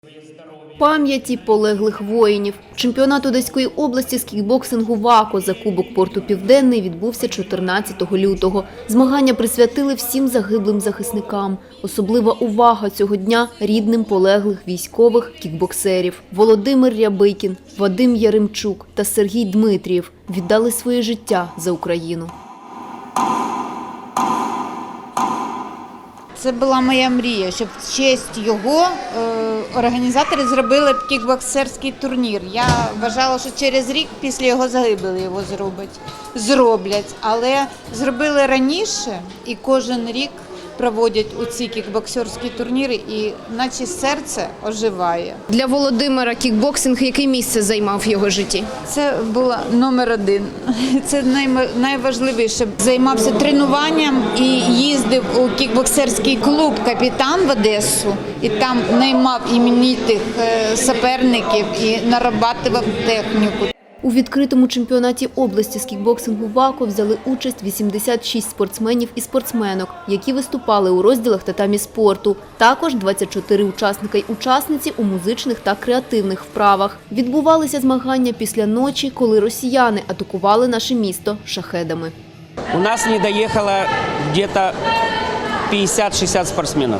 Пам'яті полеглих воїнів. Чемпіонат Одеської області з кікбоксингу ВАКО за Кубок Порту Південний відбувся 14 лютого. Змагання присвятили всім загиблим захисникам. Особлива увага цього дня рідним полеглих військових кікбоксерів. Володимир Рябикін, Вадим Яремчук та Сергій Дмитрієв віддали своє життя за Україну. Це була моя мрія, щоб в честь його організатори зробили кікбоксерський турнір. Я вважала, що через рік після його загибелі його зроблять. Але зробили раніше і кожен рік проводять у ці кікбоксерські турніри і наче серце оживає. Для Володимира кікбоксинг яке місце займав в його житті? Це була номер один. Це найважливіше. Займався тренуванням і їздив у кікбоксерський клуб «Капітан» в Одесу. І там наймав іменитих суперників і нарабатував техніку. У відкритому чемпіонаті області з кікбоксингу ВАКО взяли участь 86 спортсменів і спортсменок, які виступали у розділах татамі спорту. Також 24 учасника й учасниці у музичних та креативних вправах. Відбувалися змагання після ночі, коли росіяни атакували наше місто шахедами. У нас не доехало где-то 50-60 спортсменов.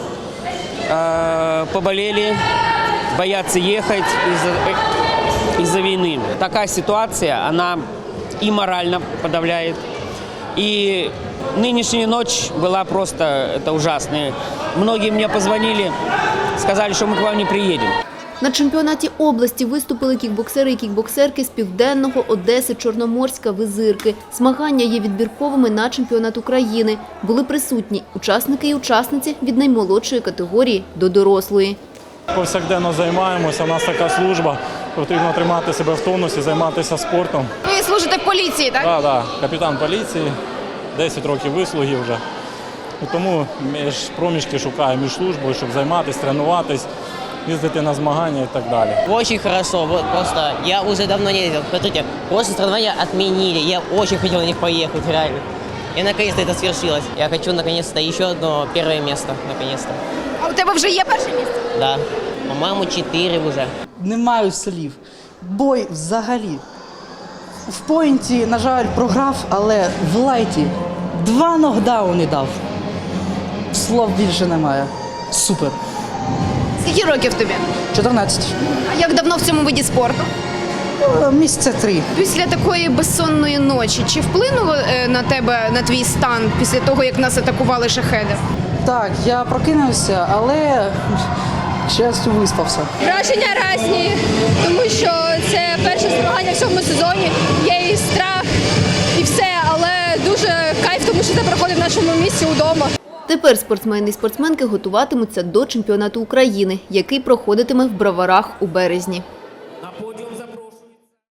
Поболели, боятся ехать из-за войны. Такая ситуация, она и морально подавляет, и нынешняя ночь была просто ужасная. Многие мне позвонили, сказали, что мы к вам не приедем. На чемпіонаті області виступили кікбоксери і кікбоксерки з Південного, Одеси, Чорноморська, Визирки. Змагання є відбірковими на чемпіонат України. Були присутні учасники і учасниці від наймолодшої категорії до дорослої. Повсякденно займаємося, у нас така служба, потрібно тримати себе в тонусі, займатися спортом. Ви служите в поліції, так? Так, капітан поліції, 10 років вислуги вже. І тому між проміжки шукаю між службою, щоб займатися, тренуватись, їздити на змагання і так далі. Очень хорошо, вот просто я уже давно не ездил. Смотрите, после соревнования отменили, я очень хотел на них поехать, реально. И наконец-то это свершилось. Я хочу наконец-то еще одно первое место, наконец-то. А у тебе вже є перше місце? Да, по-моему, 4 уже. Не маю слів. Бой взагалі. В поінті, на жаль, програв, але в лайті 2 нокдауни дав. Слов більше немає. Супер. Скільки років тобі? 14. А як давно в цьому виді спорту? Місяця 3. Після такої безсонної ночі, чи вплинуло на тебе, на твій стан, після того, як нас атакували шахеди? Так, я прокинувся, але, к щастю, виспався. Враження різні, тому що це перше змагання в цьому сезоні, є і страх, і все, але дуже кайф, тому що це проходить в нашому місці вдома. Тепер спортсмени і спортсменки готуватимуться до чемпіонату України, який проходитиме в Броварах у березні.